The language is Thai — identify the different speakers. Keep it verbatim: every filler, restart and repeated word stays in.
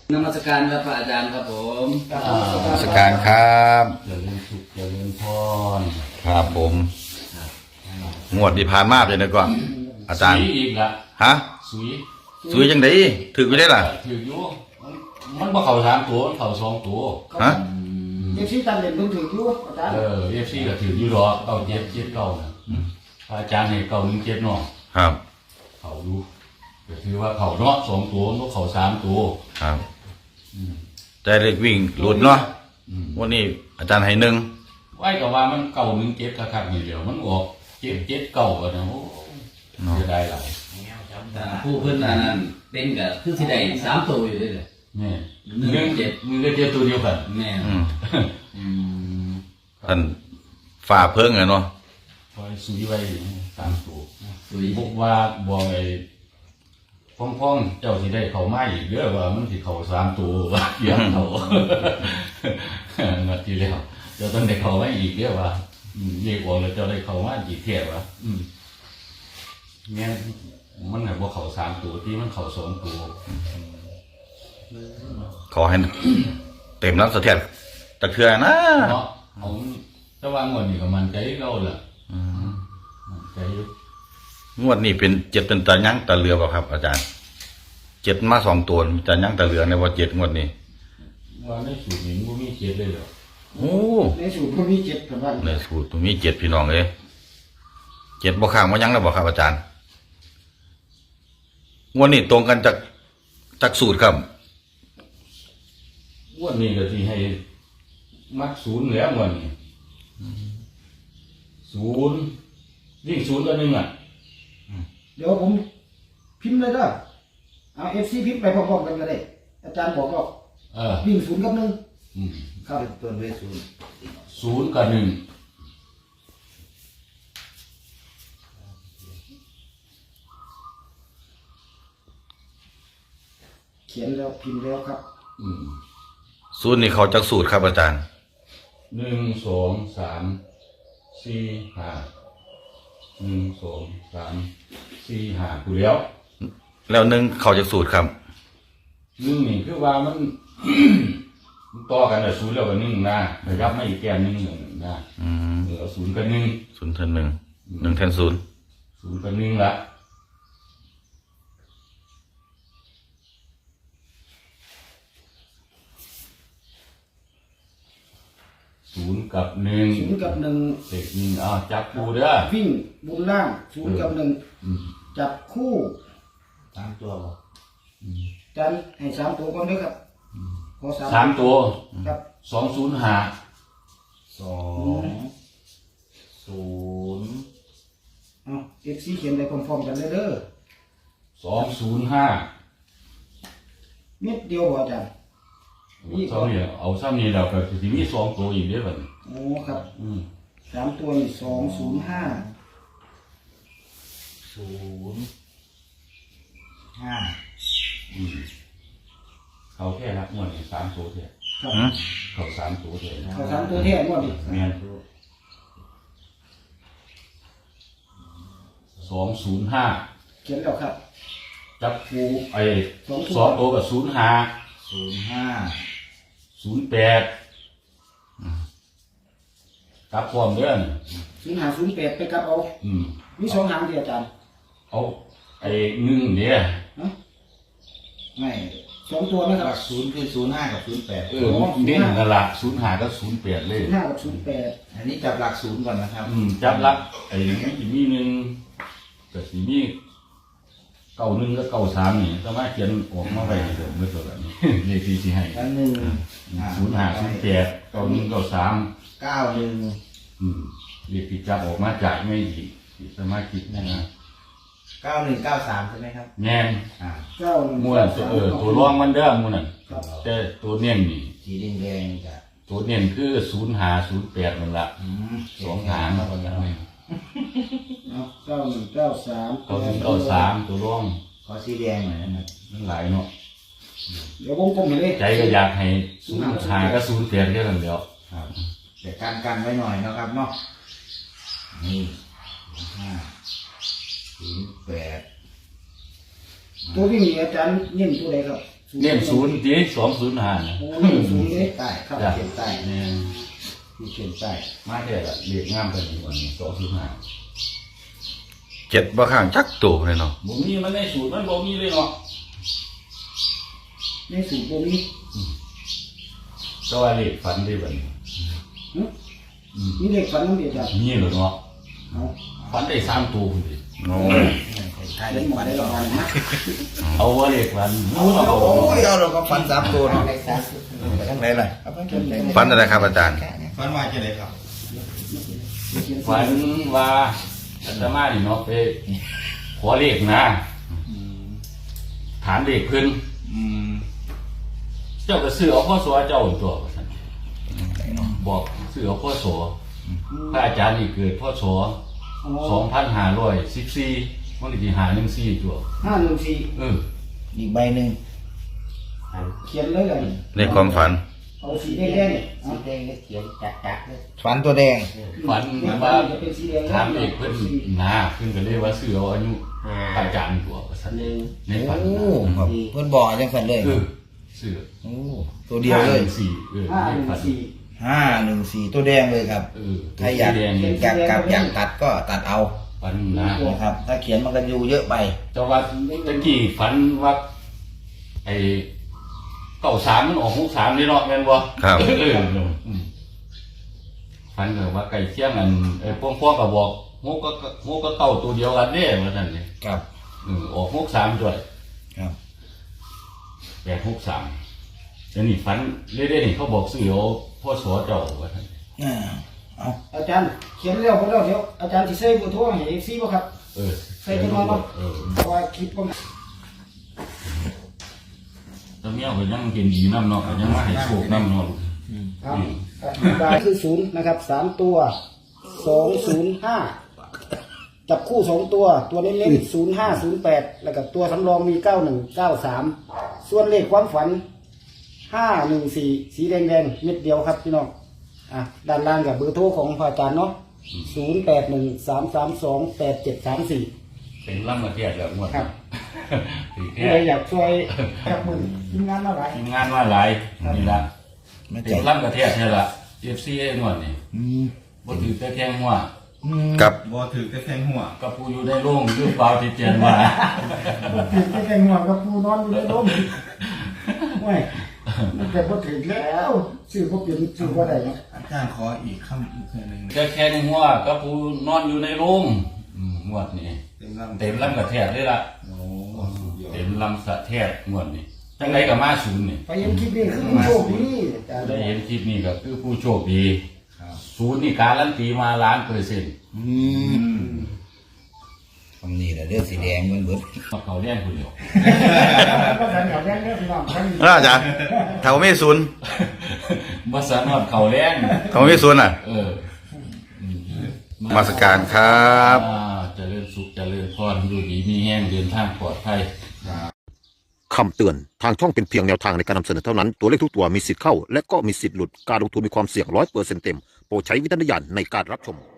Speaker 1: นมัสการครับพระอาจารย์ครับผม
Speaker 2: นมัสการครับ
Speaker 3: เจริญสุขเจริญพร
Speaker 2: ครับผมงวดที่ผ่านมาเลยนะก่อนอาจารย์
Speaker 3: สุยอีกละ
Speaker 2: ฮะ
Speaker 3: สุย
Speaker 2: สุยจังไดถือไม่ได้ล่ะ
Speaker 3: ถืออยู่มันบ่เข้าสามตัวมันเข้าสองตัว
Speaker 2: ฮะ
Speaker 4: เอฟซีตันเด่นเพิ่งถืออยู่อาจารย์
Speaker 3: เออเอฟซีก็ถืออยู่หรอกเก้าเจ็ดเจ็ดเก้านะอาจารย์ให้เก้าหนึ่งเจ็ดเนาะ
Speaker 2: ครับ
Speaker 3: เขาดูก็ถือว่าเขาเนาะสองตัวมันเขาสามตัว
Speaker 2: ครับแต่เล็กวิ่งหลุดเนาะวันนี้อาจารย์ให้หนึ่ง
Speaker 3: ไว้ก็ว่ามันเก้าหนึ่งเจ็ดคักๆนี่เดียวมันออกเจ็ดเจ็ดเก้ากันนะโอ้จะได้หลาย
Speaker 1: ผู้เพื่อนนั้นเป็นกับคือที่ใดสามตัวอยู่ด้วยเลย
Speaker 3: นี่หนึ่งเจ็ดหนึ่งเจ็ดตัวเดียวกัน
Speaker 1: แม่
Speaker 2: ท่านฝ่าเพิ่งเลยเนาะ
Speaker 3: พอสุยไว้สามตัวพวกว่าบ่ไอ้พ่องๆเจ้าสิได้เขาไม้อีกเยอะว่ามันสิเขาสามตัวว่าเยอะเขานาทีแล้วเจ้าต้องได้เขาไม้อีกเยอะว่าเรียกว่าแล้วเจ้าได้เขาไม้อีกเทียบว่าเนี่ยมันแบบว่าเขาสามตัวที่มันเขาสองตัว
Speaker 2: ขอให้เต็มรับเสถียรตะเคียนนะ
Speaker 3: เนาะเอาถ้าวางเงินนี่ก็มันใจเราแหละใจยุ
Speaker 2: งวดนี้เป็นเจ็ดเป็นตะยั้งตะเรือเปล่าครับอาจารย์เจ็ดมาสองตัวมีตะยั้งตะเรือในว่าเจ็ดงวดนี้
Speaker 3: ว่าในสูตรนี้มันมีเจ็ดเลยเหรอ
Speaker 2: โอ้
Speaker 4: ในสูตรมันมีเจ็ดกับว่า
Speaker 2: ในสูตรมีเจ็ดพี่น้องเลยเจ็ดบ่ข้างว่ายั้งแล้วบ่ครับอาจารย์งวดนี้ตรงกันจากจากสูตรครับ
Speaker 3: งวดนี้ก็ที่ให้มักศูนย์แล้วงวดนี้ศูนย์วิ่งศูนย์ตัวหนึ่งอ่ะ
Speaker 4: เดี๋ยวผมพิมพ์เลยก็เอาเอฟซีพิมพ์ไปพร้อมๆกันก็ได้อาจารย์บอกก็วิ่งศูนย์กับหนึ่งครับตัวเลขศูนย์
Speaker 3: ศูนย์กับหนึ่ง
Speaker 4: เขียนแล้วพิมพ์แล้วครับ
Speaker 2: สูตรนี้เขาจากสูตรครับอาจารย์
Speaker 3: หนึ่งสองสามสี่ห้าหนึ่งสองสามสี่ห้ากูแล้ว
Speaker 2: แล้วหนึ่งเขาจากสูตรครับ
Speaker 3: หนึ่งนี่คือว่ามันต่อกันแต่ศูนย์แล้วกับหนึ่งนะแต่ยับไม่อีกแก้มหนึ่งหนึ่งนะเออศูนย์กับหนึ่ง
Speaker 2: ศูนย์แทนหนึ่งหนึ่งแทนศูนย์
Speaker 3: ศูนย์กับหนึ่งละศูนย์กับหนึ่ง
Speaker 4: ศูนย์กับหนึ่ง
Speaker 3: เด็กหนึ่งอ่าจับคู่เด้อ
Speaker 4: วิ่งบนล่างศูนย์กับหนึ่งจับคู่สามตัวหรอจันให้สามตัวก่อนด้วยครับ
Speaker 3: ขอสามสามตัว
Speaker 4: ครับ
Speaker 3: สองศูนย์ห้า
Speaker 4: สองศูนย์เอาเอฟซีเขียนไปพร้อมๆกันเลยเด้อ
Speaker 3: สองศูนย์ห้า
Speaker 4: เม็ดเดียวอาจารย์
Speaker 3: นี่เอาเนี่ยเอาซ้ำนี่เราก็จะมีสองตัวอีกเด้อบัด
Speaker 4: โอ้ครับสามตัวนี่สองศูนย์ห้า
Speaker 3: ศูนย์ห้าเขาแค่นับงวดนี่สามตัวเท่าเขาสามตัวเท่า
Speaker 4: เขาสามตัวเท่างวดนี่
Speaker 3: แม่นสองศูนย์ห้า
Speaker 4: เขียนแล้วครับ
Speaker 3: จับคู่ไอ้สองตัวกับศูนย์ห้าศูนย์ห้าศูนย์แปดกลับพร้อมเด้อ
Speaker 4: ศูนย์ห้าศูนย์แปดไปกลับเอามีสองหางเดียวอาจารย์
Speaker 3: เอาไอ้หนึ่งเนี่ย
Speaker 4: ไม่สองตัวนะครับ
Speaker 1: ศูนย์คือศูนย์ห้ากับศูนย์แปด
Speaker 3: เออเด่นกันละศูนย์ห้ากับศูนย์แปดเลย
Speaker 4: ศูนย์ห้ากับศูนย์แปด
Speaker 1: อันนี้จับหลักศูนย์ก่อนนะครับ
Speaker 3: อืมจับหลักไอ้นี่จะมีหนึ่งกับสีมีเก้าหนึ่งกับเก้าสามนี่สามารถเขียนออกมาไปเดี๋ยวไม่ตัวแบบนี้เลขที่ที่ให้
Speaker 4: หนึ่ง
Speaker 3: ศูนย์ห้าศูนย์แปดเก้าหนึ่งเก้าสาม
Speaker 1: เก้าหนึ่ง
Speaker 3: อืมเลขที่จับออกมาจากไม่ดีสามารถคิดนะนะ
Speaker 1: เก้าหนึ่งเก้าสามใช่ไหมครับ
Speaker 3: แง่
Speaker 4: อ่าเก้าหนึ่ง
Speaker 3: มูนั่นเออตัวรองมันเด้อมูนั่นแต่ตัวเนียนนี่
Speaker 1: สีแดงแดงจ้ะ
Speaker 3: ตัวเนียนคือศูนย์ห้าศูนย์แปดนั่นละสองหาง
Speaker 4: เก้าหนึ่งเก้าสาม
Speaker 3: เก้าหนึ่งเก้าสามตัวรอง
Speaker 1: ขอสีแดงหน่อยนะ
Speaker 3: มันหลายเนาะ
Speaker 4: เดี๋ยววงกลมเห็นเลย
Speaker 3: ใจก็อยากให้ศูนย์ห้าก็ศูนย์แปดแค่นั้นเดียว
Speaker 1: แต่การกันไว้หน่อยนะครับเนาะนี่ห้าศูนย์แปด
Speaker 4: ตัววิ่งอาจารย์เน้นตัวไหนครับ
Speaker 3: เน้นศูนย์จีสองศูนย์ห้านะ
Speaker 4: โอ้นี่ศูนย์เลย
Speaker 1: ใต้
Speaker 4: ครับ
Speaker 3: จ้ะ
Speaker 1: เขียนใต้
Speaker 3: เนี่ย
Speaker 1: ที่เขียนใต้
Speaker 3: มาเท่ละเรียกงามกันอยู่อันนี้สองศูนย์ห้า
Speaker 2: เจ็ดบ่ข้างจักตัวเลยเนาะ
Speaker 3: บ่มีมันในสูตรมันบ่มีเลยเนาะ
Speaker 4: ในสูตรตัวนี้
Speaker 3: แต่ว่าเลขฝันได้บัดนี้
Speaker 4: หึมีเลขฝันน้ำเดียวจ้ะ
Speaker 3: นี่เหรอเนาะ
Speaker 4: เอา
Speaker 3: ฝันได้สามตัวพุ่นดิ
Speaker 2: โอ้
Speaker 1: ใต้
Speaker 4: เล่นหมดได้รางวัลนะ
Speaker 3: เอาว่าเลขฝันเอาเอา
Speaker 1: โอ้ยเอาเราก็ฟันสามตัวเนาะไปทางไหนล่ะเอาไปทางไหน
Speaker 2: ฝันอะไรครับอาจารย์
Speaker 1: ฟันว่าจะไหนครับ
Speaker 3: ฝันว่าอาตมานี่เนาะไปขอเลขนะถามเลขเพิ่น
Speaker 1: อืม
Speaker 3: เจ้าก็ซื้อเอาพ่อสวเจ้าตัวว่าซั่นบอกซื้อเอาพ่อสวพระอาจารย์นี่เกิดพ่อสวสองพันห้าร้อยสิบสี่มันเลยที่หาหนึ่งสี่ตัว
Speaker 4: ห้าหนึ่งสี่
Speaker 3: เออ
Speaker 1: อีกใบหนึ่ง
Speaker 4: เขียนเลยเลย
Speaker 2: ในความฝัน
Speaker 4: เอาสีแดงๆเนี่ยเอา
Speaker 5: แดงก็เขียนจัดจัดๆเลย
Speaker 1: ฟันตัวแดง
Speaker 3: ฝัน
Speaker 4: เลขฝั
Speaker 3: ว่าน
Speaker 4: จะเป็นสีแดง
Speaker 3: ถามเอกเพิ่นนาเพิ่นก็เลยว่าซื้อเอาอายุพระอาจารย์ตัวว่าซั่น
Speaker 5: หนึ่ง
Speaker 3: ในฝัน
Speaker 1: โอ้
Speaker 3: นะ
Speaker 1: ครับเพื่อนบอกจังสันเลย
Speaker 3: เออซื้อ
Speaker 1: โอ้ตัวเดียวเลย
Speaker 3: ห้าหนึ่งสี่เออ
Speaker 4: ห้า
Speaker 3: ใน
Speaker 4: หนึ่ง
Speaker 3: ฝัน
Speaker 4: สี่
Speaker 1: ห้าหนึ่งสี่ตัวแดงเลยครับ
Speaker 3: เออ
Speaker 1: ใครอยาก
Speaker 3: สีแดงนี่
Speaker 1: อยากกลับอยากตัดก็ตัดเอา
Speaker 3: ฝันนะ
Speaker 1: นะครับ ถ้าเขียนมันก็อยู่เยอะไป
Speaker 3: เจ้าว่าตะกี้ฝันว่าไอ้เก้าสามมันออกหกสามนี่เนาะแม่นบ่
Speaker 2: ครับ
Speaker 3: เอออืมฝันก็ว่าไก่เชียงอันไอ้พวกพวกก็บอกหกก็หกก็เก้าตัวเดียวกันเด้ว่าซั่นนี่
Speaker 1: ครับ
Speaker 3: เออออกหกสามด้วย
Speaker 1: ครับ
Speaker 3: แปดหกสามแล้วนี่ฝันเรื่อยๆนี่เขาบอกซื้อเอาพ่อสอเจ้าว่าซั่น
Speaker 1: อ่าเอา
Speaker 4: อาจารย์เขียนแล้วพอแล้วเดี๋ยวอาจารย์ที่ใส่เบอร์โทรให้เอฟซีบ่ครับ
Speaker 3: เออ
Speaker 4: ใส่จังหวะบ่
Speaker 3: เออ
Speaker 4: เพราะว่าคลิปผม
Speaker 3: ตอนนี้เอาไปยังกินดีน้ำเนาะก็ยังมาให้โชคน้ำเนาะ
Speaker 4: ครับได้คือศูนย์นะครับสามตัวสองศูนย์ห้าจับคู่สองตัว ตัวเน้นๆศูนย์ห้าศูนย์แปดแล้วก็ตัวสำรองมีเก้าหนึ่งเก้าสามส่วนเลขความฝันห้าหนึ่งสี่สีแดงแดงๆเม็ดเดียวครับพี่น้องอ่ะด้านล่างกับเบอร์โทรของพระอาจารย์เนาะศูนย์แปดหนึ่งสามสามสองแปดเจ็ดสามสี่
Speaker 3: เป็นล่ำมาเทียดแล้วงวด
Speaker 4: ครับ
Speaker 3: ถือ
Speaker 4: ใค
Speaker 3: แค่
Speaker 4: รอยากช่วยจับมือทีมงานมาหลาย
Speaker 3: ทีมงานว่าหลายนี่ละ
Speaker 1: ไม่
Speaker 3: เป็
Speaker 1: ใจ
Speaker 3: นล่ำกระเทียดใช่ละเอฟซีเองวดนี่
Speaker 1: อืม
Speaker 3: บ่ถือแต่แทงหัว
Speaker 1: อืม
Speaker 2: กับ
Speaker 6: บอถือแต่แทงหัว
Speaker 3: กับผู้อยู่ในโรงอยู่เปล่าที่เจียนว่า
Speaker 4: ถึงแค่ห่วงกับปูนอนอยู่ในร่มไม่มันแต่พอถึงแล้วชื่อพวกเป็นชื่อว่าใดเนาะ
Speaker 6: อาจารย์ขออีกคำอีกคำหนึ่ง
Speaker 3: แต่แค่ในหัวกับผู้นอนอยู่ในโรงอืมงวดนี่
Speaker 6: เต็มลำ
Speaker 3: เต็มล่ำกระเทียดเลยล่ะ
Speaker 6: โอ้สุดยอด
Speaker 3: เต็มลำสะเทียดงวดนี่จังไรกับมาศูนย์นี่
Speaker 4: ไปเห็นคลิปนี้คือโชคดีอาจารย์
Speaker 3: ได้เห็นคลิปนี้ก็คือผู้โชคดีศูนย์นี่การันตีมาล้านเปอร์เซ็นต์
Speaker 1: อืมคำนี้แหละเลือดสีแดงเหมือนเบิด
Speaker 3: มาเขาเลี้ยงคนเดียว
Speaker 4: ก็สันเขาแรงเด้อพี่น้องท่าน
Speaker 2: แล้วอาจารย์ถ้าไม่ศูนย์
Speaker 3: มาสานอดเขาเลี้ยง
Speaker 2: เขาไม่ศูนย์อ่ะ
Speaker 3: เออ
Speaker 2: มาสการครับ
Speaker 3: อ่าเจริญสุขเจริญพรอยู่ดีมีแห้งเดินทางปลอดภัย
Speaker 7: คำเตือน ทางช่องเป็นเพียงแนวทางในการนำเสนอเท่านั้น ตัวเลขทุกตัวมีสิทธิ์เข้า และก็มีสิทธิ์หลุด การลงทุนมีความเสี่ยงร้อยเปอร์เซ็นต์เต็ม โปรดใช้วิจารณญาณในการรับชม